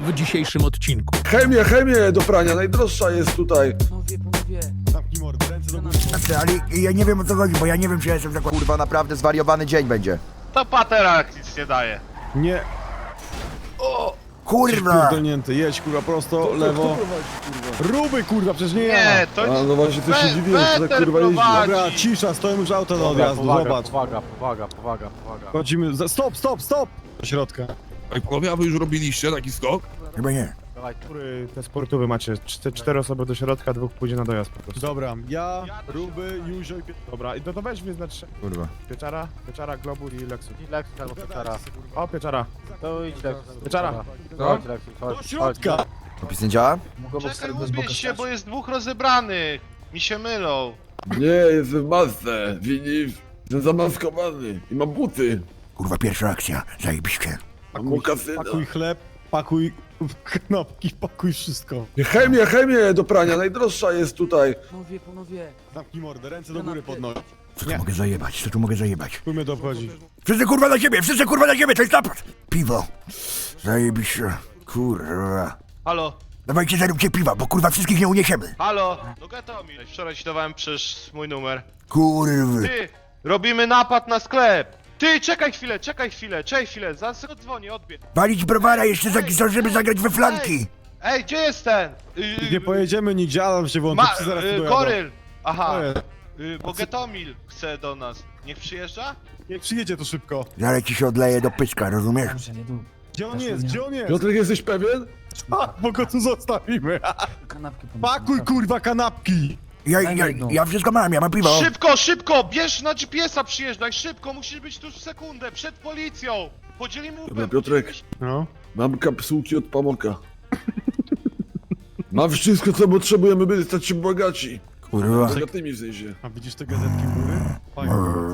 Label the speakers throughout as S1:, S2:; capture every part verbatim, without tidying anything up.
S1: w dzisiejszym odcinku.
S2: Chemię, chemię do prania, najdroższa jest tutaj.
S3: Panowie, panowie.
S4: Zamknij mordę, ręce do góry.
S5: Ale ja nie wiem o co chodzi, bo ja nie wiem czy ja jestem zakład...
S6: Kurwa, naprawdę zwariowany dzień będzie.
S7: To patera nic nie daje.
S4: Nie,
S5: Kurwa!
S4: pierdolnięty, jedź kurwa prosto, lewo. Ruby kurwa, przecież nie ja.
S7: Nie, to
S2: A
S7: nie.
S2: no właśnie, to się
S7: We-
S2: dziwiłem, że tak
S7: Weter
S2: kurwa jeździ.
S7: prowadzi.
S4: Dobra, cisza, stoją już auto do odjazdu, zobacz.
S3: Powaga, powaga, powaga, powaga.
S4: Chodzimy, za- stop, stop, stop! Do środka.
S8: Ej, panowie, a wy już robiliście taki skok?
S5: Chyba nie.
S3: Dawaj,
S4: Który te sportowe macie? Czte, cztery osoby do środka, dwóch pójdzie na dojazd po prostu. Dobra, ja, Ruby, Juzio i Pie... Dobra, i to, to weź wyznacz
S6: Kurwa.
S4: Pieczara, Pieczara, Globur i Lexus.
S3: idź Lexus albo Pieczara.
S4: O, Pieczara.
S3: To idź Lexus.
S4: Pieczara.
S3: Chodź Lexus, chodź.
S4: Do środka!
S6: Opis nie działa?
S7: Czekaj, ubierz się, bo jest dwóch rozebranych. Mi się mylą.
S2: Nie, jestem w masce, widzisz? Jestem zamaskowany i mam buty.
S5: Kurwa, pierwsza akcja. Zajebiście.
S2: Mam kasyna.
S4: Pakuj chleb, pakuj knopki, pakuj wszystko.
S2: Chemię, chemię do prania, najdroższa jest tutaj.
S3: Panowie, panowie.
S4: Zamknij mordę, ręce do góry podnoś.
S5: Co tu
S4: Nie.
S5: mogę zajebać? Co tu mogę zajebać?
S4: Chuj mnie to obchodzi.
S5: Wszyscy kurwa na siebie! Wszyscy kurwa na siebie! To jest napad! Piwo. Zajebiście. Kurwa.
S7: Halo,
S5: Dawajcie, zaróbcie piwa, bo kurwa wszystkich nie uniesiemy.
S7: halo. No Gatomir. Wczoraj ci dawałem przecież mój numer.
S5: Kurwy.
S7: Ty, robimy napad na sklep. Ty, czekaj chwilę, czekaj chwilę, czekaj chwilę. Zaraz sobie dzwonię, odbierz.
S5: Walić browara jeszcze za żeby zagrać we flanki.
S7: Ej, gdzie jest ten? Yy,
S4: Nie pojedziemy nigdzie, Adam się włączy,
S7: Ma,
S4: psy zaraz tu
S7: yy,
S4: dojadą.
S7: Goryl. Aha,
S4: To jest.
S7: yy, bo Getomil chce do nas. Niech przyjeżdża?
S4: Niech przyjedzie to szybko.
S5: Zaraz ci się odleje do pyska, rozumiesz?
S4: Gdzie on jest, gdzie on jest?
S2: Piotrek, jesteś pewien?
S4: A, bo go tu zostawimy.
S3: Kanapkę
S4: Pakuj kurwa kanapki.
S5: Ja, ja, ja wszystko mam, ja mam piwo.
S7: Szybko, szybko, bierz na G P S a przyjeżdżaj, szybko, musisz być tuż w sekundę, przed policją. Podzielimy
S2: Dobra,
S7: łupem.
S2: Piotrek.
S4: No.
S2: Mam kapsułki od pamoka. Mam wszystko, co potrzebujemy, by stać się bogaci.
S5: Kurwa.
S2: Bogatymi w sensie.
S4: A widzisz te gazetki u góry? Fajnie,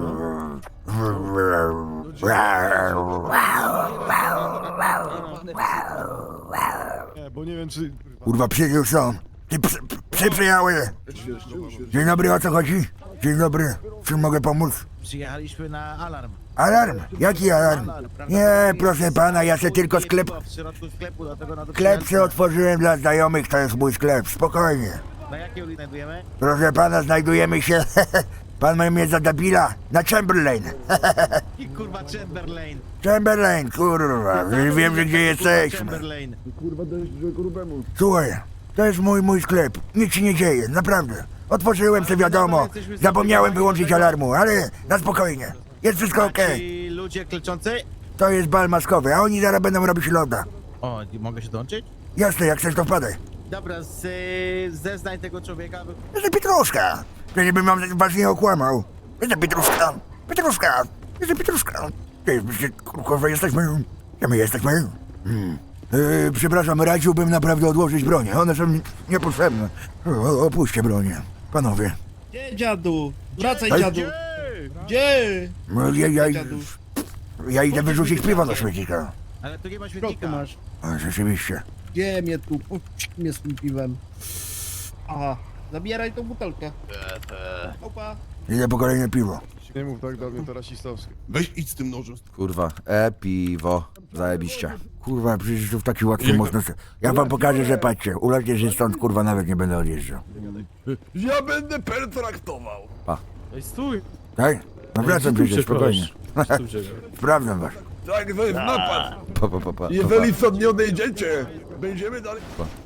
S4: co? Nie, bo nie wiem czy...
S5: Kurwa, psy już są. Ty psy, psy przyjechały. Dzień dobry, o co chodzi? Dzień dobry, czym mogę pomóc?
S9: Przyjechaliśmy na alarm.
S5: Alarm? Jaki alarm? Nie, proszę pana, ja se tylko sklep...
S9: W środku sklepu, dlatego na to
S5: Sklep se otworzyłem dla znajomych, to jest mój sklep, spokojnie.
S9: Na jakiej ulicy znajdujemy?
S5: Proszę pana, znajdujemy się... Pan ma mnie za debila? Na Chamberlain.
S9: I kurwa Chamberlain.
S5: Chamberlain, kurwa, wiem, że gdzie jesteśmy.
S9: Chamberlain.
S2: Kurwa, dajesz grubemu.
S5: Słuchaj, to jest mój, mój sklep, nic się nie dzieje, naprawdę. Otworzyłem se wiadomo, zapomniałem wyłączyć alarmu, ale na spokojnie. Jest wszystko okej.
S9: Ci ludzie kleczący?
S5: To jest bal maskowy, a oni zaraz będą robić loda.
S9: O, mogę się dołączyć?
S5: Jasne, jak chcesz to wpadaj.
S9: Dobra, z, y, zeznań tego człowieka.
S5: Jestem Pietruszka. Ja nie bym wam was nie okłamał. Jestem Pietruszka. Pietruszka. Jestem Pietruszka. Ty, my się, kurwa, jesteśmy... Ja my jesteśmy... Hmm. Yy, przepraszam, radziłbym naprawdę odłożyć bronię. One są niepotrzebne. O, opuśćcie bronię. Panowie.
S10: Gdzie dziadu? Wracaj
S5: Ej.
S10: dziadu! Gdzie?
S5: No, ja, ja,
S10: Dziadu.
S5: ja idę wyrzucić piwo do śmietnika.
S9: Ale tu nie ma
S10: W środku
S9: śmietnika.
S10: masz.
S5: A, rzeczywiście.
S10: Gdzie mnie tu? Puść mnie z tym piwem. Aha, zabieraj tą butelkę. Opa.
S5: Idę po kolejne piwo.
S4: Nie mów tak do mnie, to rasistowskie.
S8: Weź idź z tym nożem.
S6: Kurwa. E, piwo. Zajebiście.
S5: Kurwa, przecież tu w taki łatwy można... se- Ja wam pokażę, że patrzcie. Ulocie się stąd, kurwa, nawet nie będę odjeżdżał.
S2: Ja będę pertraktował.
S3: Ej, stój.
S5: Tak? No wracam przecież, spokojnie. Sprawdzam was.
S2: Tak, to jest napad.
S6: Pa, pa, pa, pa,
S2: Jeżeli stąd nie odejdziecie, będziemy dalej...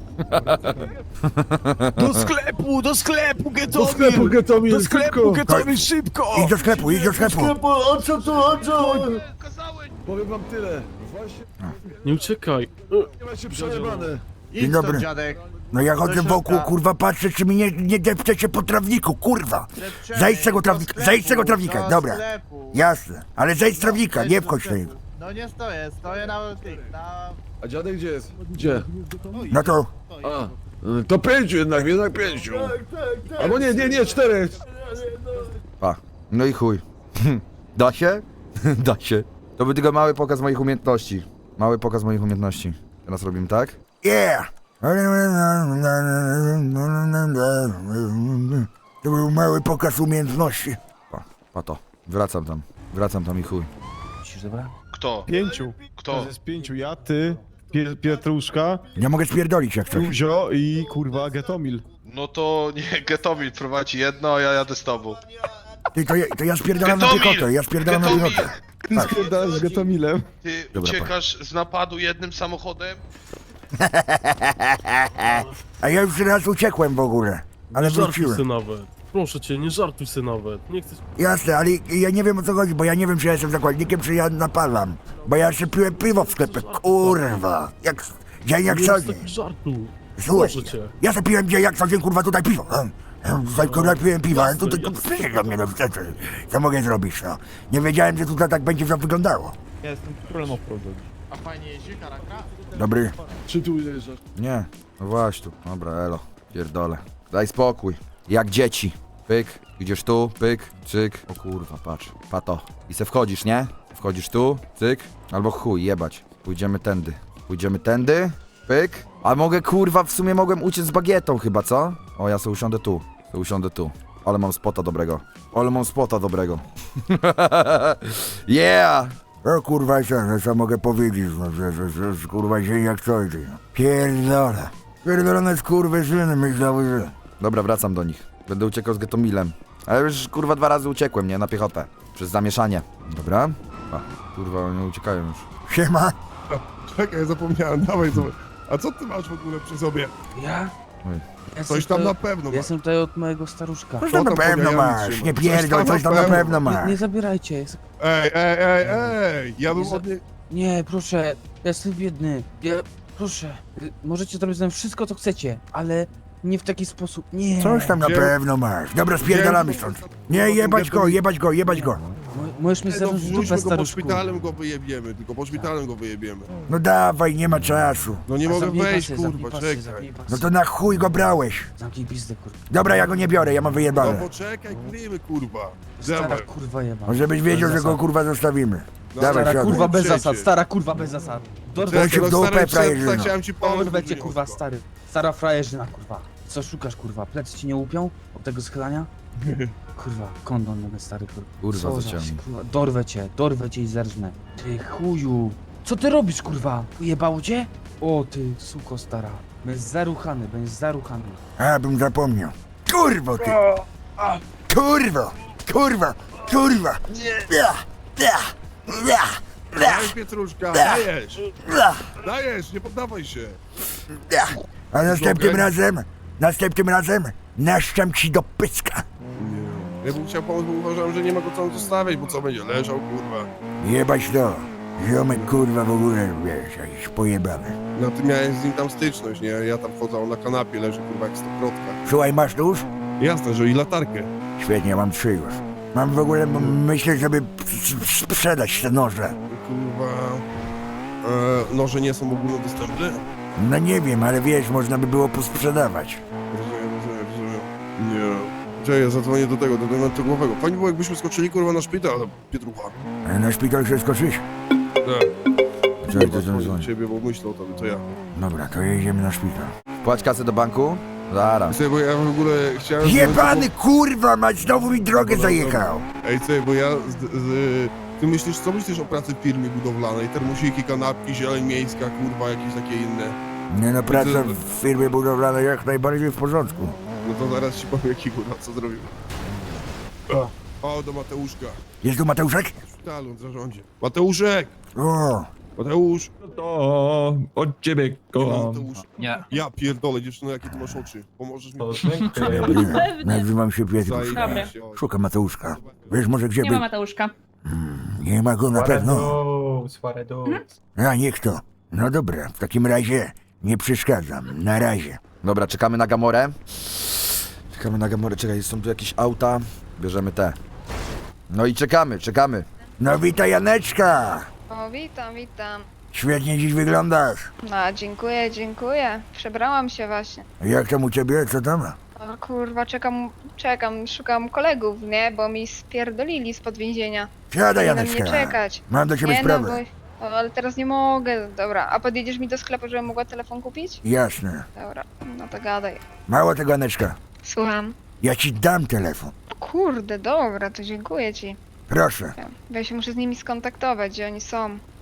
S4: Do sklepu, do sklepu, Getomir!
S2: Do sklepu, Getomir,
S4: Do sklepu,
S2: szybko.
S4: Getomir, szybko!
S5: Idź do sklepu, idź do sklepu.
S2: O co tu, o co?
S7: Kazałeś.
S2: Powiem wam tyle. Właśnie
S3: Nie uciekaj.
S2: nie macie przejebane.
S5: Dzień dobry. No ja chodzę wokół, kurwa, patrzę, czy mi nie, nie depczecie po trawniku, kurwa. Zejdź z tego trawnika, zejdź z tego trawnika, dobra. Jasne, ale zejdź z trawnika, nie wchodź tutaj.
S9: No nie stoję, stoję na tych, na...
S2: A dziadek gdzie jest? Gdzie?
S5: No to,
S2: A, y, to pięciu jednak, jednak pięciu. Albo nie, nie, nie, czterech.
S6: pa. No i chuj. Da się? Da się. To był tylko mały pokaz moich umiejętności. Mały pokaz moich umiejętności. Teraz robimy tak?
S5: yeah. To był mały pokaz umiejętności.
S6: Pa, pa to. Wracam tam. Wracam tam i chuj.
S7: Kto?
S4: Pięciu.
S7: Kto?
S4: To jest pięciu, ja, ty, Pie Pietruszka,
S5: Nie mogę spierdolić jak coś.
S4: Juzio i kurwa Getomil.
S7: No to nie, Getomil prowadzi jedno, a ja jadę z tobą.
S5: Ty, to, ja, to ja spierdalam na
S7: Getomil!
S5: piechotę, ja spierdalam na
S7: Getomil!
S5: piechotę.
S4: Ty spierdalasz z Getomilem.
S7: Ty
S5: Dobra,
S7: uciekasz z napadu jednym samochodem?
S5: A ja już raz uciekłem w ogóle, ale
S3: nie żartuj
S5: wróciłem.
S3: se nawet. Proszę cię, nie żartuj se nawet. Nie chcesz...
S5: Jasne, ale ja nie wiem o co chodzi, bo ja nie wiem, czy ja jestem zakładnikiem, czy ja napalam. Bo ja jeszcze piłem piwo w sklepie, kurwa. Jak, dzień jak
S3: nie
S5: co
S3: jest
S5: dzień.
S3: taki żartu.
S5: Słuchaj,
S3: Proszę cię.
S5: ja sobie piłem dzień jak co dzień, kurwa, tutaj piwo. Hmm. Hmm, Tutaj kurwa piłem piwo, ale tutaj to przyjdzie do mnie, no co, co, co mogę zrobić, no. Nie wiedziałem, że tutaj tak będzie to wyglądało.
S4: Ja jestem królem offroadu.
S9: A fajnie jeździ, karakra?
S5: Dobry.
S2: Czy tu ujeżdżasz?
S6: Nie, no właśnie tu. Dobra, elo, pierdolę. Daj spokój. Jak dzieci. Pyk, idziesz tu, pyk, cyk. O kurwa, patrz, pato. I se wchodzisz, nie? Wchodzisz tu, cyk. Albo chuj, jebać. Pójdziemy tędy. Pójdziemy tędy, pyk. A mogę, kurwa, w sumie mogłem uciec z bagietą chyba, co? O, ja se usiądę tu. Se usiądę tu. Ale mam spota dobrego. Ale mam spota dobrego. Yeah!
S5: O kurwa, co, no, co mogę powiedzieć, no, że, że, że, że kurwa dzień jak co dzień. No. Pierdolę. Pierdolone skurwysyny myślały, że...
S6: Dobra, wracam do nich. Będę uciekał z Getomilem. Ale już kurwa dwa razy uciekłem, nie? Na piechotę. Przez zamieszanie. Dobra. A, kurwa, oni uciekają już.
S5: Siema.
S8: Czekaj, zapomniałem, dawaj, zobacz. A co ty masz w ogóle przy sobie?
S3: Ja?
S6: Oj.
S3: Ja
S8: Coś
S3: jestem
S8: tam na
S3: tutaj-
S8: pewno
S3: Ja
S8: masz.
S3: jestem tutaj od mojego staruszka.
S5: Coś tam na
S8: tam
S5: pewno
S8: podajemy
S5: masz,
S8: trzyma.
S5: nie
S8: Coś
S5: pierdol,
S8: tam
S5: coś tam
S8: na
S5: na
S8: pewno.
S5: pewno
S3: Nie,
S5: masz.
S3: nie zabierajcie. Jest...
S8: Ej, ej, ej, ej! Ja bym
S3: Nie za-
S8: od niej...
S3: Nie, proszę. Ja jestem biedny. Ja... Proszę. y, Możecie zrobić ze mną wszystko, co chcecie, ale nie w taki sposób. Nie.
S5: Coś tam na
S8: Gdzie-
S5: pewno masz. Dobra, spierdalamy
S8: Gdzie-
S5: stąd. Nie, jebać go, jebać go, jebać go.
S3: Mo- Możesz mi
S8: No
S3: zarządzić dupę,
S8: wrzućmy go pod
S3: staruszku.
S8: szpitalem, go wyjebiemy, tylko pod szpitalem go wyjebiemy.
S5: No dawaj, nie ma czasu.
S8: No nie
S3: A
S8: mogę
S3: zamknij
S8: wejść,
S3: pasy, zamknij
S8: kurwa,
S3: pasy,
S8: czekaj.
S3: zamknij pasy.
S5: No to na chuj go brałeś.
S3: Zamknij pizdę, kurwa.
S5: Dobra, ja go nie biorę, ja mam
S8: No
S5: wyjebane.
S8: poczekaj, kryjmy, kurwa.
S3: Stara
S8: Dawaj.
S3: kurwa jeba.
S5: No żebyś wiedział, że go
S3: zasad.
S5: kurwa zostawimy.
S8: No,
S5: Dawaj,
S3: Stara
S5: siadaj.
S3: kurwa bez
S8: Przecież.
S3: zasad, stara kurwa bez zasad. Dorwę
S5: Czekaj,
S3: cię,
S5: się w dupę,
S8: stary,
S5: frajerzyno.
S8: przestań, chciałem ci pomóc.
S3: dorwę cię
S8: Józio.
S3: kurwa stary. Stara frajerzyna kurwa. Co szukasz kurwa? Plecy ci nie łupią? Od tego schylania? Kurwa, kondon nowy stary kurwa.
S6: Kurwa,
S3: Co za
S6: zaciągnij.
S3: się, kurwa. Dorwę cię, dorwę cię i zerżnę. Ty chuju. Co ty robisz kurwa? Ujebało cię? O ty suko stara. Będziesz zaruchany, będziesz zaruchany.
S5: A, bym zapomniał. Kurwo ty! Kurwo! Kurwa! Kurwa! Nie! Ja! Ja! Ja! Ja!
S8: Daj, Pietruszka, dajesz!
S5: Ja!
S8: Dajesz, nie poddawaj się!
S5: Ja! A następnym
S8: Okej.
S5: razem, następnym razem naszczam ci do pyska.
S8: Nie. Ja bym chciał pomóc, bo uważałem, że nie ma go tam zostawiać, bo co będzie leżał, kurwa.
S5: Jebać to. Ziomek kurwa w ogóle, wiesz, jakiś pojebany.
S8: No ty miałeś z nim tam styczność, nie? Ja tam wchodzę, on na kanapie leży, kurwa, jak stokrotka.
S5: Słuchaj, masz tu już?
S8: Jasne, że i latarkę.
S5: Świetnie, mam trzy już. Mam w ogóle, m- myślę, żeby s- sprzedać te noże.
S8: Kurwa... E, noże nie są ogólnodostępne?
S5: No nie wiem, ale wiesz, można by było posprzedawać.
S8: Rozumiem, rozumiem, rozumiem. Nie. Czekaj, ja zadzwonię do tego, do dementogłowego. Fajnie było, jakbyśmy skoczyli, kurwa, na szpital, Pietrucha.
S5: A na szpital chcesz skoczyć?
S8: Tak.
S5: Czekaj, to
S8: Dzwonię do
S5: dzwoń.
S8: ciebie, bo myślę o tobie, to ja.
S5: Dobra, to jedziemy na szpital.
S6: Płać kasę do banku? Zaraz.
S8: Słuchaj, bo ja w ogóle chciałem...
S5: Jebany kurwa, mać znowu mi drogę zajechał.
S8: Ej, słuchaj, bo ja z, z, ty myślisz, co myślisz o pracy w firmie budowlanej? Termosiki, kanapki, zieleń miejska, kurwa, jakieś takie inne.
S5: Nie no, praca w firmie budowlanej jak najbardziej w porządku.
S8: No to zaraz ci powiem, jaki kurwa, co zrobił. O, do Mateuszka.
S5: Jest tu Mateuszek?
S8: W szpitalu, w zarządzie. Mateuszek!
S5: O,
S8: Mateusz!
S1: To od ciebie kocham.
S8: Mateusz.
S1: Nie.
S8: Ja pierdolę, dziewczyno, jakie ty masz oczy. Pomożesz mi?
S5: dobry. Nazywam się Pietruszka.
S8: Zajebiście.
S5: Szukam Mateuszka. Wiesz może gdzie
S11: Nie ma
S5: był?
S11: Mateuszka.
S5: Nie ma go na pewno.
S1: Swaredu.
S5: A niech to. No dobra, w takim razie nie przeszkadzam. Na razie.
S6: Dobra, czekamy na Gamorę. Czekamy na Gamorę, czekaj, są tu jakieś auta. Bierzemy te. No i czekamy, czekamy.
S5: No witaj Janeczka.
S11: O, witam, witam.
S5: Świetnie dziś wyglądasz.
S11: No, dziękuję, dziękuję. Przebrałam się właśnie.
S5: Jak tam u ciebie? Co tam?
S11: O kurwa, czekam, czekam, szukam kolegów, nie? Bo mi spierdolili spod więzienia.
S5: Siadaj
S11: Nie na mnie
S5: Janeczka.
S11: czekać.
S5: Mam do ciebie
S11: Nie no,
S5: sprawę.
S11: bo... O, ale teraz nie mogę. Dobra, a podjedziesz mi do sklepu, żebym mogła telefon kupić?
S5: Jasne.
S11: Dobra, no to gadaj.
S5: Mało tego Janeczka.
S11: Słucham.
S5: Ja ci dam telefon.
S11: Kurde, dobra, to dziękuję ci.
S5: Proszę.
S11: Bo ja się muszę z nimi skontaktować, gdzie oni są.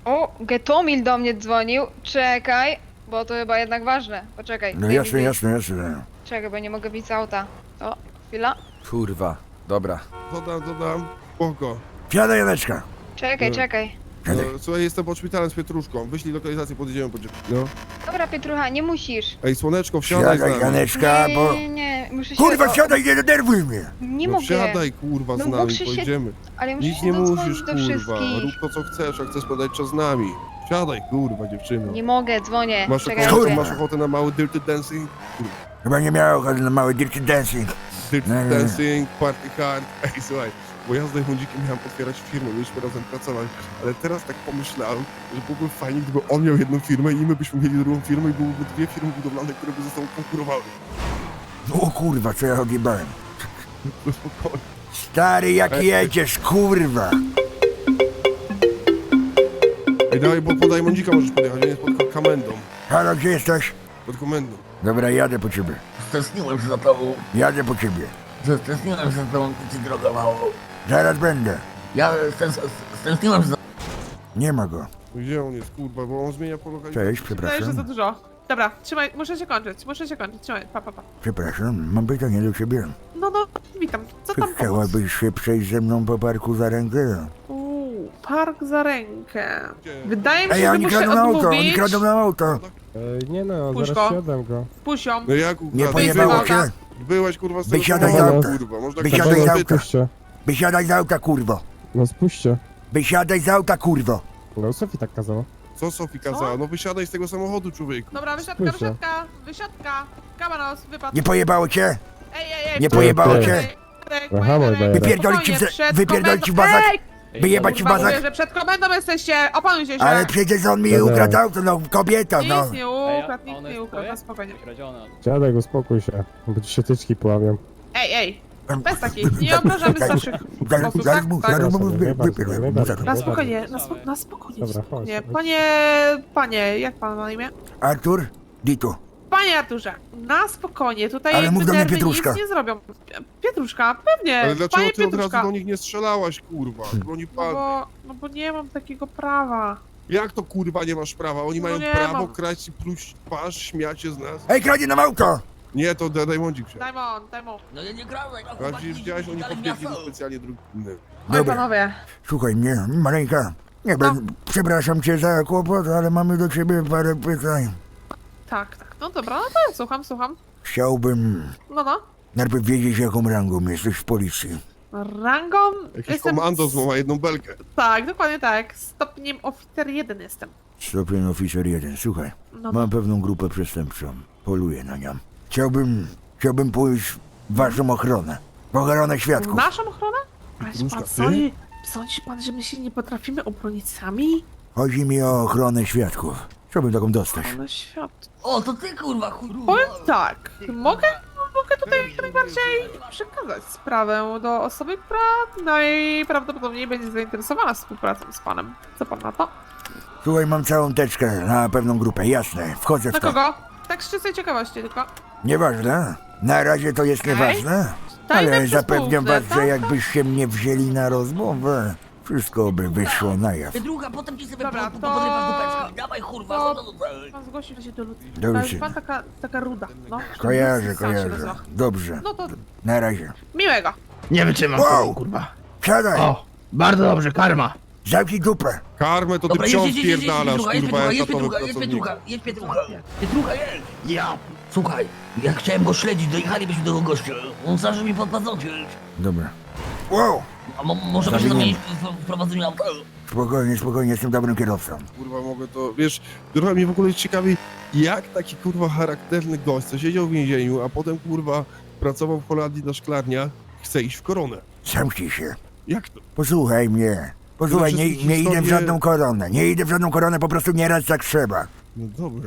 S11: O, Getomil do mnie dzwonił. Czekaj, bo to chyba jednak ważne. Poczekaj.
S5: No
S11: Ej,
S5: jasne,
S11: ej,
S5: jasne, jasne.
S11: Czekaj, bo nie mogę wyjść z auta. O, chwila.
S6: Kurwa, dobra.
S8: Dodam, dodam. Spoko.
S5: Siadaj, Janeczka.
S11: Czekaj,
S8: No.
S11: czekaj.
S8: No,
S5: Siadaj.
S8: słuchaj, jestem pod szpitalem z Pietruszką. Wyślij lokalizację, podjedziemy po ciebie. No.
S11: Dobra, Pietrucha, nie musisz.
S8: Ej, słoneczko, wsiadaj z
S5: Siadaj,
S8: nami.
S5: Janeczka,
S11: nie,
S5: bo...
S11: nie, nie, muszę się...
S5: Kurwa,
S11: o,
S5: siadaj, nie denerwuj mnie.
S11: Nie
S8: No
S11: mogę.
S8: wsiadaj, kurwa, z
S11: No
S8: nami,
S11: muszę się-
S8: pojedziemy.
S11: Ale muszę
S8: Nic
S11: się
S8: nie
S11: dodzwonić
S8: musisz,
S11: do
S8: kurwa.
S11: wszystkich.
S8: Rób to, co chcesz, jak chcesz spędzać czas z nami. Wsiadaj, kurwa, dziewczyno.
S11: Nie mogę, dzwonię.
S8: Masz
S11: Czekaj,
S8: ochotę,
S5: Kurwa.
S8: masz ochotę na mały dirty dancing?
S5: Chyba nie miała ochoty na mały dirty dancing.
S8: Dirty
S5: Nie, nie, nie.
S8: dancing, party hard. Ej, słuchaj, bo ja z Dajmundzikiem miałem otwierać firmę, mieliśmy razem pracować, ale teraz tak pomyślałem, że byłoby fajnie, gdyby on miał jedną firmę i my byśmy mieli drugą firmę i byłyby dwie firmy budowlane, które by ze sobą konkurowały.
S5: O kurwa, co ja odjebałem.
S8: No spokojnie.
S5: Stary, jak jedziesz, kurwa.
S8: Ej, dawaj, bo po Dajmundzika możesz podjechać, on jest pod komendą.
S5: Halo, gdzie jesteś?
S8: Pod komendą.
S5: Dobra, jadę po ciebie.
S10: Stęskniłem się za tobą.
S5: Jadę po ciebie.
S10: Stęskniłem się za tobą, ty ci droga mało.
S5: Zaraz będę.
S10: Ja stęskniłem się za...
S5: Nie ma go.
S8: Gdzie on jest, kurwa, bo on zmienia po lokalizacji.
S5: Cześć, przepraszam.
S9: dużo. Dobra, trzymaj, muszę się kończyć, muszę się kończyć, trzymaj, pa, pa, pa.
S5: Przepraszam, mam pytanie do ciebie.
S9: No, no, witam, co
S5: Czy
S9: tam pomóc?
S5: chciałabyś się przejść ze mną po parku za rękę?
S9: Uuu, park za rękę. Wydaje mi się,
S5: Ej,
S9: że
S5: oni
S9: muszę
S5: kradą auto, oni
S9: odmówić.
S5: kradą nam auto.
S4: nie no,
S9: Puść
S4: zaraz
S9: go.
S4: siadam go.
S9: Puść ją.
S8: No jak
S5: Nie
S8: ukradł?
S5: pojebało
S9: Wyjebał.
S5: cię?
S8: Byłeś, kurwa, z tego
S5: Wysiadaj
S4: z
S8: samochodu,
S4: auta.
S8: kurwa, można
S5: Wysiadaj
S8: kurwa
S5: z
S8: zapytać.
S4: Spuśćcie.
S5: Wysiadaj z auta, kurwo.
S4: No spuśćcie.
S5: Wysiadaj z auta, kurwo.
S4: No Sofii tak kazała.
S8: Co Sofii kazała? No wysiadaj z tego samochodu, człowieku.
S9: Dobra, wysiadka,
S4: Słyszę.
S9: wysiadka, wysiadka. Kamanos, wypadł.
S5: Nie pojebało cię?
S9: Ej, ej, ej.
S5: Nie pojebało
S4: Ty,
S5: cię?
S9: Ej, Ej,
S4: Aha,
S9: ej,
S4: mój
S9: ej,
S4: bajerek.
S5: Wypierdolić ci w
S9: spokojnie,
S5: za-
S9: przed
S5: wypierdolić ci w
S9: komendą-
S5: bazak?
S9: Ej!
S5: Wyjebać ci w
S9: Kurwa, mówię,
S5: bazak?
S9: że przed komendą jesteście, opanujcie się.
S5: Ale przecież on mi
S4: Dobra.
S5: ukradł auto, no kobieta, no.
S9: Nic nie ukradł, nikt nie ukradł, no spokojnie.
S4: Dziadek, uspokój się, bo ci się tyczki poławią.
S9: Ej, ej, bez takich, nie obrażamy starszych
S5: Zaraz,
S9: osób,
S5: zaraz
S9: tak?
S5: mu,
S9: Tak.
S5: zaraz mu
S4: Dobra,
S5: wy-
S4: nie bardzo,
S5: wypierdolę,
S4: nie
S5: mu
S4: bardzo.
S5: zaraz.
S9: Na spokojnie, na, spo, na spokojnie,
S4: Dobra, chodź,
S9: spokojnie.
S4: chodź.
S9: Panie, panie, jak pan ma na imię?
S5: Artur, Dito.
S9: Panie Arturze, na spokojnie, tutaj
S5: Ale mów do mnie
S9: nerwy
S5: Pietruszka.
S9: nic nie zrobią. Pietruszka, pewnie,
S8: Ale dlaczego
S9: panie
S8: ty od razu
S9: Pietruszka.
S8: do nich nie strzelałaś, kurwa? Broni
S9: No
S8: pan.
S9: bo, no bo nie mam takiego prawa.
S8: Jak to kurwa nie masz prawa? Oni
S9: No
S8: mają
S9: nie
S8: prawo
S9: mam.
S8: kraść i pluć twarz, śmiać się z nas.
S5: Ej, kradnie nam auto!
S8: Nie, to da- Dajmondzik się.
S9: Dajmon, dajmon.
S10: No ja nie grałem, no
S8: A przecież widziałeś, oni podbiegli do specjalnie drugi.
S9: Oj
S5: Dobra,
S9: panowie,
S5: słuchaj mnie, maleńka. Nie
S9: No.
S5: będę, przepraszam cię za kłopot, ale mamy do ciebie parę pytań.
S9: tak, tak, no dobra, no to ja słucham, słucham.
S5: Chciałbym
S9: No, no.
S5: najpierw wiedzieć, jaką rangą jesteś w policji.
S9: Rangą
S8: Jakiś komandos ma jedną belkę.
S9: Tak, dokładnie tak. Stopniem oficer jeden jestem.
S5: Stopień oficer jeden. Słuchaj,
S9: No,
S5: mam pewną grupę przestępczą. Poluję na nią. Chciałbym, chciałbym pójść w waszą ochronę. W ochronę świadków.
S9: Naszą ochronę? Ale
S8: Różka,
S9: pan
S8: ty?
S9: sądzi, sądzi pan, że my się nie potrafimy obronić sami?
S5: Chodzi mi o ochronę świadków. Chciałbym taką dostać.
S9: Ale świat.
S10: O, to ty kurwa, chuj.
S9: Powiem tak, mogę, mogę tutaj jak najbardziej przekazać sprawę do osoby, która najprawdopodobniej będzie zainteresowana współpracą z panem. Co pan na to?
S5: Słuchaj, mam całą teczkę na pewną grupę, jasne. Wchodzę
S9: Na
S5: w to.
S9: kogo? Tak z czystej ciekawości tylko.
S5: Nieważne. Na razie to jest
S9: Okej.
S5: nieważne.
S9: Tajne
S5: Ale
S9: przez
S5: zapewniam
S9: półkę,
S5: was, że
S9: tak?
S5: jakbyście mnie wzięli na rozmowę, wszystko by wyszło na jaw.
S10: Ty druga, potem ci sobie
S9: Dobra,
S10: po-
S9: to-
S10: podrywasz dupeczki. Dawaj kurwa,
S9: to-
S10: no to tutaj.
S9: Pan zgłosił się do ludzi.
S5: Dobrze.
S9: Ale pan taka, taka ruda, no.
S5: Kojarzę,
S9: Sam się
S5: kojarzę.
S9: nazywa.
S5: Dobrze.
S9: No to
S5: Na razie.
S9: miłego.
S10: Nie wytrzymam
S5: Wow.
S10: tego, kurwa.
S5: Siadaj!
S10: O, bardzo dobrze, karma.
S5: Zamknij dupę!
S8: Karmę to ty
S10: Dobra,
S8: wciąż
S10: jedź, jedź, jedź, jedź,
S8: pierdalasz,
S10: Pietrucha, jedź,
S8: kurwa,
S10: Pietrucha, jedź,
S8: etatowy
S10: Pietrucha, jedź,
S8: pracownik.
S10: Pietrucha, jedź, Pietrucha. Pietrucha, jedź. Ja, słuchaj, ja chciałem go śledzić, dojechalibyśmy do tego gościa. On zaczął mi pod paznokcie.
S5: Dobra. Wow!
S10: A mo możemy się
S5: Zabijemy.
S10: zamienić w- w prowadzeniu auta?
S5: Spokojnie, spokojnie, jestem dobrym kierowcą.
S8: Kurwa, mogę to, wiesz, trochę mnie w ogóle ciekawi, jak taki kurwa charakterny gość, co siedział w więzieniu, a potem kurwa pracował w Holandii na szklarniach, chce iść w koronę.
S5: Zamknij się.
S8: Jak to?
S5: Posłuchaj mnie. Posłuchaj,
S8: Tyle
S5: nie,
S8: wszystkich
S5: nie idę w
S8: historii-
S5: żadną koronę. Nie idę w żadną koronę, po prostu nieraz tak trzeba.
S8: No dobra.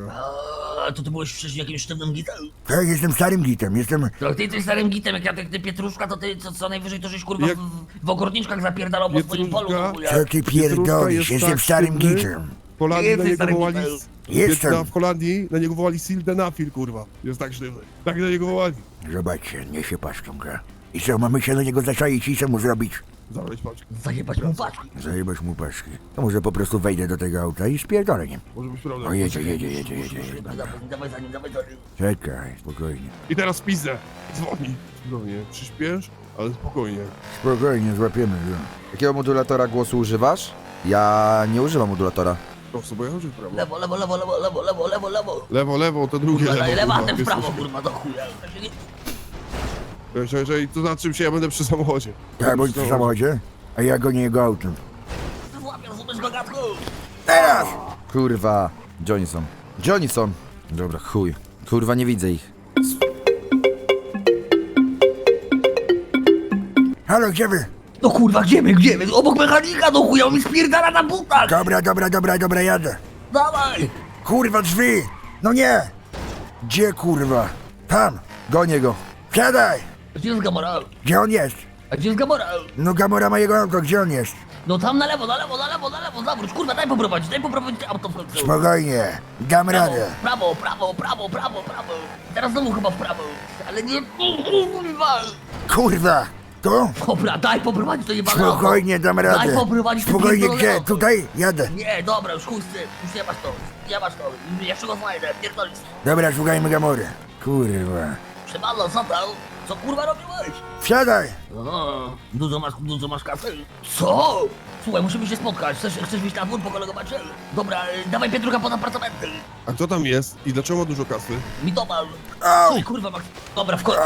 S10: A to ty byłeś wcześniej jakimś sztywnym gitem?
S5: Tak, jestem starym gitem, jestem...
S10: To ty jesteś starym gitem, jak ja ty, ty Pietruszka, to ty co, co najwyżej to żeś kurwa
S8: Jak-
S10: w, w ogórniczkach zapierdalał po swoim polu.
S8: Pietruszka?
S10: w ogóle.
S5: Co ty
S8: Pietruszka
S5: pierdolisz?
S8: jest
S5: Jestem
S8: tak
S5: starym
S8: sztywny.
S5: gitem.
S8: W Holandii
S10: Jesteś
S8: na niego
S10: starym
S8: wołali...
S10: gitem.
S5: Jestem.
S8: Na, w Holandii na niego wołali Sildenafil, kurwa. Jest tak sztywny. Tak na niego wołali.
S5: Zobaczcie, nie się paszcząka. I co, mamy się do niego zaczaić i co mu zrobić?
S8: Zabrać paczkę.
S10: Zajebać mu paczki.
S5: Zajebać mu paczki. To może po prostu wejdę do tego auta i spierdolę nim.
S8: Może być prawda.
S5: O, jedzie, jedzie, jedzie, jedzie. jedzie.
S10: Dawaj, dawaj za nim, dawaj za nim.
S5: Czekaj, spokojnie.
S8: I teraz pizdę. Dzwoni. Spokojnie, przyspiesz, ale spokojnie.
S5: Spokojnie, złapiemy go.
S6: Jakiego modulatora głosu używasz? Ja nie używam modulatora.
S8: Prosto, bo ja chodzę w prawo.
S10: Lewo, lewo, lewo, lewo, lewo, lewo, lewo, lewo.
S8: Lewo, lewo, to drugie
S10: Kurwa,
S8: lewo.
S10: lewa,
S8: kurwa.
S10: ten w
S8: Jest
S10: prawo,
S8: coś-
S10: kurwa, do chuja. Tak się nie-
S8: Że, że, to na czym się ja będę przy samochodzie.
S5: Tak, bądź przy samochodzie, a ja gonię jego autem.
S10: Złapię, rozumiesz go, gadku?
S5: Teraz!
S6: Kurwa. Gdzie oni są? Gdzie oni są? Dobra, chuj. Kurwa, nie widzę ich.
S5: Halo, gdzie wy?
S10: No kurwa, gdzie my, gdzie my? Obok mechanika, do chuja, on mi spierdala na butach.
S5: Dobra, dobra, dobra, dobra, jadę.
S10: Dawaj.
S5: Kurwa, drzwi! No nie! Gdzie kurwa? Tam!
S6: Gonię go.
S5: Siadaj!
S10: Gdzie jest Gamora?
S5: Gdzie on jest?
S10: A gdzie jest Gamora?
S5: No Gamora ma jego auto, gdzie on jest?
S10: No tam na lewo, na lewo, na lewo, na lewo, zawróć, kurwa, daj poprowadzić, daj poprowadzić auto w końcu.
S5: Spokojnie, dam
S10: Prawo,
S5: radę.
S10: prawo, prawo, prawo, prawo, prawo. Teraz znowu chyba w prawo. Ale nie, kurwa.
S5: Kurwa! Tu?
S10: Dobra, daj poprowadzić to jebane auto.
S5: Spokojnie, dam radę.
S10: Daj poprowadzić to
S5: Spokojnie,
S10: pierdolone
S5: gdzie?
S10: auto.
S5: Tutaj? Jadę.
S10: Nie, dobra, już chuj z tym, już nie masz to, nie masz to. Jeszcze go znajdę, pierdolisz.
S5: Dobra, szukajmy Gamory. Kurwa.
S10: Przemalo, co tam? Co kurwa robiłeś?
S5: Wsiadaj!
S10: O, dużo masz, dużo masz kasy? Co? Słuchaj, musimy się spotkać. Chcesz, chcesz wyjść na dwór, pokolegować się? Dobra, y, dawaj Pietrucha pod apartamenty.
S8: A kto tam jest? I dlaczego ma dużo kasy?
S10: Mitomal.
S5: Au!
S10: Ty kurwa, Max. Dobra, w końcu.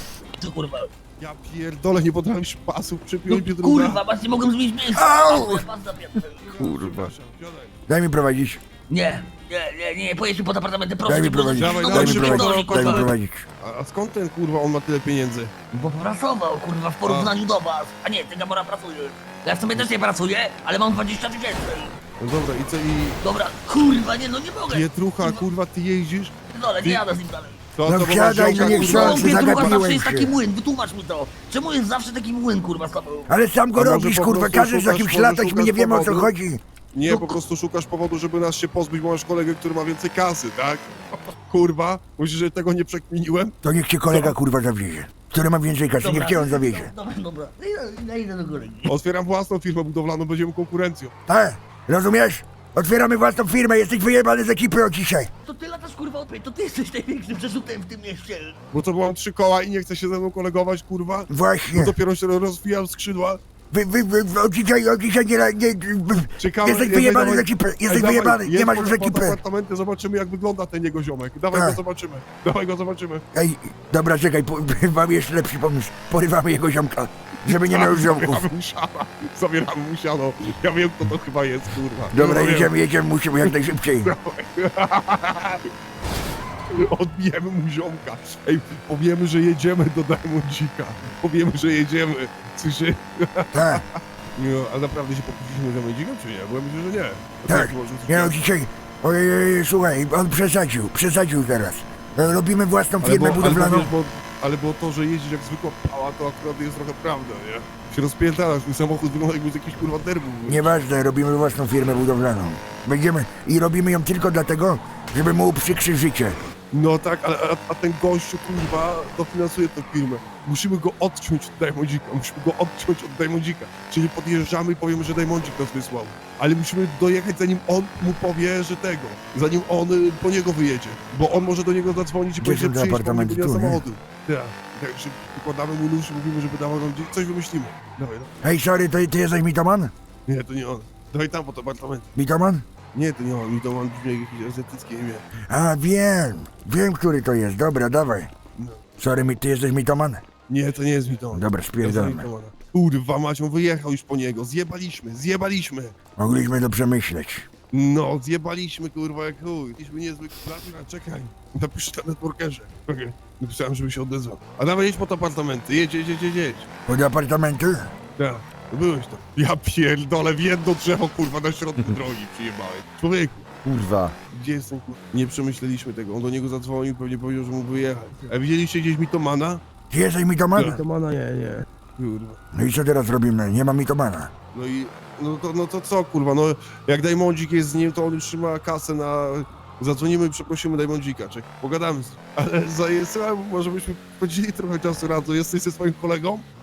S10: Ty kurwa.
S8: Ja pierdolę, nie potrafisz pasów
S10: No,
S8: przypiąć Pietrucha.
S10: kurwa, masz, nie mogłem zmienić miejsca.
S5: Au!
S10: Ale pas zapięty.
S8: Kurwa.
S5: Daj mi prowadzić.
S10: Nie, nie, nie, nie, pojedź mi pod apartamenty, proszę.
S5: Daj mi
S10: cię, bo-
S5: prowadzić.
S8: Dawaj,
S10: no,
S8: dawaj,
S5: Daj mi
S10: musimy
S8: szybko,
S5: prowadzić.
S10: zdążyć,
S5: Daj mi
S10: kurwa.
S5: prowadzić.
S8: A, a skąd ten kurwa on ma tyle pieniędzy?
S10: Bo pracował, kurwa, w porównaniu do was. A nie, ty Gamora pracujesz. Ja w sumie też nie pracuję, ale mam dwadzieścia tysięcy.
S8: No dobra, i co i...
S10: Dobra, kurwa, nie, no nie mogę.
S8: Pietrucha, kurwa, ty jeździsz?
S10: Dole, nie jadę z nim dalej.
S8: To,
S5: No
S8: to bo
S5: wsiadaj,
S8: ziomka,
S5: no nie
S8: kurwa,
S5: chcący,
S10: Pietrucha zawsze
S5: zagapiłem
S10: jest taki
S5: się.
S10: młyn, wytłumacz mi to. Czemu jest zawsze taki młyn, kurwa, z tobą?
S5: Ale sam go
S8: A może
S5: robisz,
S8: po
S5: kurwa,
S8: prostu
S5: każesz za
S8: szukasz-
S5: kimś
S8: może
S5: latać, my
S8: szukasz
S5: nie wiemy o co
S8: powodu?
S5: chodzi.
S8: Nie,
S10: No-
S8: po prostu szukasz powodu, żeby nas się pozbyć, bo masz kolegę, który ma więcej kasy, tak? Kurwa, myślisz, że tego nie przekminiłem?
S5: To niech cię kolega kurwa zawiezie. Który ma więcej kasy, niech cię on zawiezie.
S10: Dobra, dobra, idę, idę do góry.
S8: Otwieram własną firmę budowlaną, będziemy konkurencją.
S5: Tak? Rozumiesz? Otwieramy własną firmę, jesteś wyjebany z ekipy od dzisiaj.
S10: To ty latasz, kurwa, odpędź, to ty jesteś największym przerzutem w tym mieście.
S8: Bo to byłam trzy koła i nie chce się ze mną kolegować, kurwa.
S5: Właśnie.
S8: Bo dopiero się rozwijam skrzydła.
S5: Wy, wy, wy, od dzisiaj, od dzisiaj nie, nie, nie
S8: Ciekawe,
S5: jesteś
S8: jak
S5: wyjebany z
S8: dawaj-
S5: ekipy,
S8: Ej,
S5: jesteś
S8: dawaj,
S5: wyjebany, nie
S8: jedź
S5: masz
S8: pod-
S5: już
S8: pod
S5: ekipy.
S8: apartamenty, zobaczymy jak wygląda ten jego ziomek. Dawaj
S5: Tak.
S8: go zobaczymy. Dawaj go zobaczymy.
S5: Ej, dobra, czekaj, po, mam jeszcze lepszy pomysł. Porywamy jego ziomka, żeby nie miał już ziomków.
S8: Zabieramy mu siano. Zabieramy mu siano. Ja wiem kto to chyba jest, kurwa.
S5: Dobra,
S8: Ja wiem.
S5: jedziemy, jedziemy, musimy jak najszybciej.
S8: Odbijemy mu ziomka. Ej, powiemy, że jedziemy do Diamondzika. Powiemy, że jedziemy. Słyszy?
S5: Tak,
S8: Nie, a naprawdę się pokłóciliśmy z Diamondzikiem, czy nie? Bo ja myślę, że nie. A
S5: tak.
S8: może coś-
S5: Nie no, dzisiaj, ojej, ojej, słuchaj, on przesadził, przesadził teraz. E, Robimy własną
S8: Ale
S5: firmę
S8: bo, ale,
S5: budowlaną.
S8: bo, wiesz, bo, ale było to, że jeździsz jak zwykła pała, to akurat jest trochę prawda, nie? Się rozpiętalasz, mój samochód wygląda jakby z jakiś kurwa derbu.
S5: Nieważne, robimy własną firmę budowlaną. Będziemy i robimy ją tylko dlatego, żeby mu uprzykrzyć życie.
S8: No tak, ale a, a ten gościu, kurwa, dofinansuje tę firmę. Musimy go odciąć od Diamondzika, musimy go odciąć od Diamondzika. Czyli podjeżdżamy i powiemy, że Diamondzik nas wysłał. Ale musimy dojechać, zanim on mu powie, że tego. Zanim on y, po niego wyjedzie. Bo on może do niego zadzwonić i
S5: Gdzie
S8: powiedzieć,
S5: są te
S8: że przyjedź, bo
S5: apartamenty?
S8: nie ma
S5: Tu, nie?
S8: samochodu. Tak, także układamy mu nóż i mówimy, żeby dawał nam gdzieś, coś wymyślimy. Dawaj, no.
S5: Hej, sorry, to ty jesteś mitoman?
S8: Nie, to nie on. Dawaj tam pod apartament.
S5: Mitoman?
S8: Nie, to nie on, mi to on brzmi jak jakieś azjatyckie imię.
S5: A, wiem, wiem, który to jest, dobra, dawaj.
S8: No.
S5: Sorry, mi- ty jesteś mitoman?
S8: Nie, to nie jest mi to on.
S5: Dobra,
S8: Ja
S5: spierdolmy.
S8: znam Mitomana. Kurwa, Macią wyjechał już po niego, zjebaliśmy, zjebaliśmy.
S5: Mogliśmy to przemyśleć.
S8: No, zjebaliśmy, kurwa, jak chuj. Mieliśmy niezły klawisz, czekaj. Napiszę na networkerze. Okay. Napisałem, żeby się odezwał. A dawaj, jedź pod apartamenty, jedź, jedź, jedź, jedź, jedź.
S5: Pod apartamenty?
S8: Tak, byłeś tam. Ja pierdolę, w jedno drzewo, kurwa, na środku drogi przyjebałeś. Człowieku,
S6: Kurwa.
S8: gdzie jest ten kurwa? Nie przemyśleliśmy tego, on do niego zadzwonił, pewnie powiedział, że mógł wyjechać. A widzieliście gdzieś Mitomana?
S5: Ty jesteś mitoman?
S8: Mitomana nie, nie. Kurwa.
S5: No i co teraz robimy? Nie ma mitomana.
S8: No i, no to, no to co, kurwa, no jak Diamondzik jest z nim, to on już trzyma kasę na... Zadzwonimy i przeprosimy Diamondzika, czek, pogadamy z nim. Ale za słuchaj, może byśmy spędzili trochę czasu razem, jesteś ze swoim kolegą?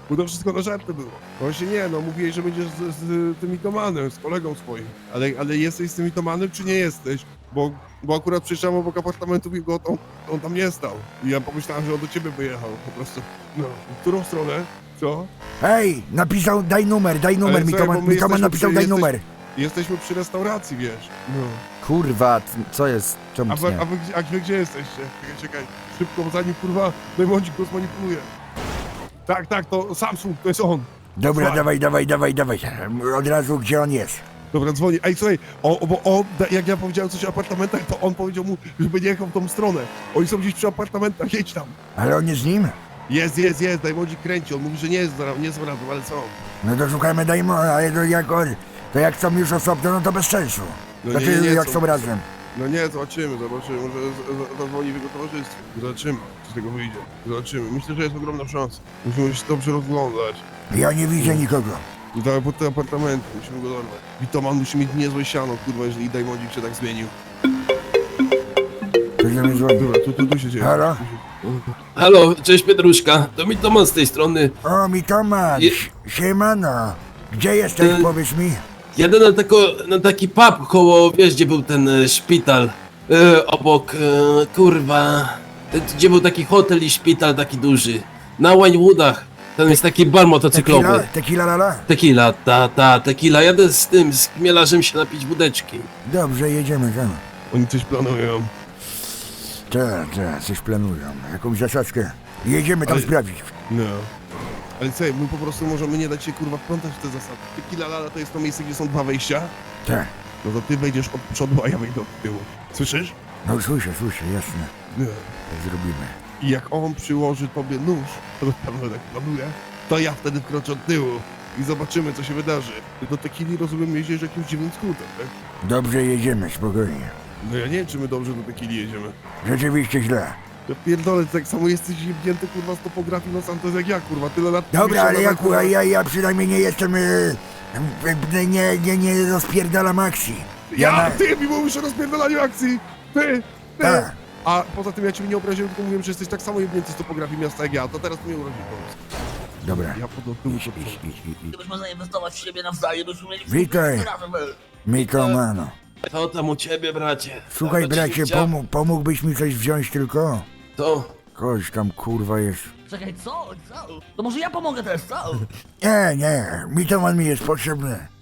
S8: Bo to wszystko na żarty było. Właśnie nie, no mówiłeś, że będziesz z, z tym mitomanem, z kolegą swoim. Ale, ale jesteś z tym mitomanem, czy nie jesteś? Bo, bo akurat przyjrzałem obok apartamentu i go on, on tam nie stał. I ja pomyślałem, że on do ciebie wyjechał po prostu. No, w którą stronę? Co?
S5: Hej, napisał, daj numer, daj numer,
S8: Ale słuchaj, bo
S5: Mitoman,
S8: my
S5: Mitoman
S8: jesteśmy
S5: napisał,
S8: przy-
S5: daj
S8: jesteś-
S5: numer.
S8: Jesteśmy przy restauracji, wiesz. No.
S6: Kurwa, c- co jest? Czemu
S8: A wy,
S6: nie?
S8: a, wy, gdzie- a wy gdzie jesteście? Czekaj, czekaj. Szybko, bo zanim kurwa Dajmondzik go zmanipuluje. Tak, tak, to Samsung, to jest on.
S5: Dobra,
S8: Słuchaj.
S5: dawaj, dawaj, dawaj, dawaj. Od razu, gdzie on jest?
S8: Dobra, dzwoni. Ej, słuchaj, o, bo on, da- jak ja powiedziałem coś o apartamentach, to on powiedział mu, żeby nie jechał w tą stronę. Oni są gdzieś przy apartamentach, jedź tam.
S5: Ale on jest z nim?
S8: Jest, jest, jest, Dajmondzik kręci. On mówi, że nie jest, zaraz- nie jest razem, ale są.
S5: No to szukajmy Dajmona, ale to jak on, to jak są już osobno, no to bez sensu.
S8: No
S5: Znaczy,
S8: nie, nie,
S5: jak
S8: są-
S5: są razem.
S8: No nie, zobaczymy, zobaczymy. Może z- z- zadzwoni w jego towarzystwie. Zobaczymy, co z tego wyjdzie. Zobaczymy. Myślę, że jest ogromna szansa. Musimy się dobrze rozglądać.
S5: Ja nie widzę nikogo.
S8: Dawaj pod te apartamenty, musimy go dorwać. Witoman musi mieć niezłe siano, kurwa, jeżeli Dajmondzik się tak zmienił.
S5: To się mi dzwoni.
S8: Dobra, tu, tu, tu się dzieje.
S5: Halo?
S12: Halo, cześć Pietruszka, to mi Toman z tej strony.
S5: O, Mitoman,
S12: Je-
S5: si- siemano. Gdzie jesteś,
S12: E,
S5: powiedz mi?
S12: Jadę na, tako, na taki pub koło, wiesz gdzie był ten e, szpital, e, obok, e, kurwa, e, gdzie był taki hotel i szpital taki duży, na Winewoodach, tam jest taki bar motocyklowy.
S5: Tequila, tequila lala?
S12: Tequila, ta, ta, tequila, jadę z tym, z chmielarzem się napić wódeczki.
S5: Dobrze, jedziemy tam.
S8: Oni coś planują.
S5: Tak, tak, coś planują. Jakąś zasadzkę. Jedziemy tam
S8: Ale-
S5: sprawdzić.
S8: No. Ale co, my po prostu możemy nie dać się kurwa wplątać w te zasady. Tequila Lala to jest to miejsce, gdzie są dwa wejścia.
S5: Tak.
S8: No to ty wejdziesz od przodu, a ja wejdę od tyłu. Słyszysz?
S5: No słyszę, słyszę, jasne.
S8: No.
S5: Tak zrobimy.
S8: I jak on przyłoży tobie nóż, to na pewno tak planuje, to ja wtedy wkroczę od tyłu i zobaczymy, co się wydarzy. Ty do Tequili, rozumiem, jeździesz jakimś dziwnym skrótem, tak?
S5: Dobrze, jedziemy, spokojnie.
S8: No ja nie wiem, czy my dobrze do Tequili jedziemy.
S5: Rzeczywiście źle.
S8: Ja pierdolę, tak samo jesteś jebnięty, kurwa, z topografii Los Santos jak ja, kurwa. Tyle lat...
S5: Dobra,
S8: mieszkam
S5: ale
S8: na
S5: ja,
S8: kurwa-
S5: kurwa, ja, ja przynajmniej nie jestem... y, y, nie, nie, nie rozpierdalam akcji.
S8: Ja,
S5: na-
S8: ty mi mówisz o rozpierdolaniu akcji! Ty! Ty!
S5: Tak.
S8: A poza tym ja cię nie obraziłem, tylko mówiłem, że jesteś tak samo jebnięty z topografii miasta jak ja, to teraz mnie urazi po prostu.
S5: Dobra.
S8: Ja pod tyłu
S5: Idź,
S8: to
S5: idź, idź, idź, idź.
S10: Gdybyśmy zainwestować w siebie nawzajem, byśmy mieli
S5: Witaj.
S10: razem.
S5: Mitomano.
S12: Co tam u ciebie, bracie?
S5: Słuchaj,
S12: Nawet
S5: bracie,
S12: się chciał-
S5: pomó- pomógłbyś mi coś wziąć tylko?
S12: To,
S5: Chodź tam, kurwa, jest.
S10: Czekaj, co? Co? To może ja pomogę też, co?
S5: Nie, nie, Mitoman mi jest potrzebny.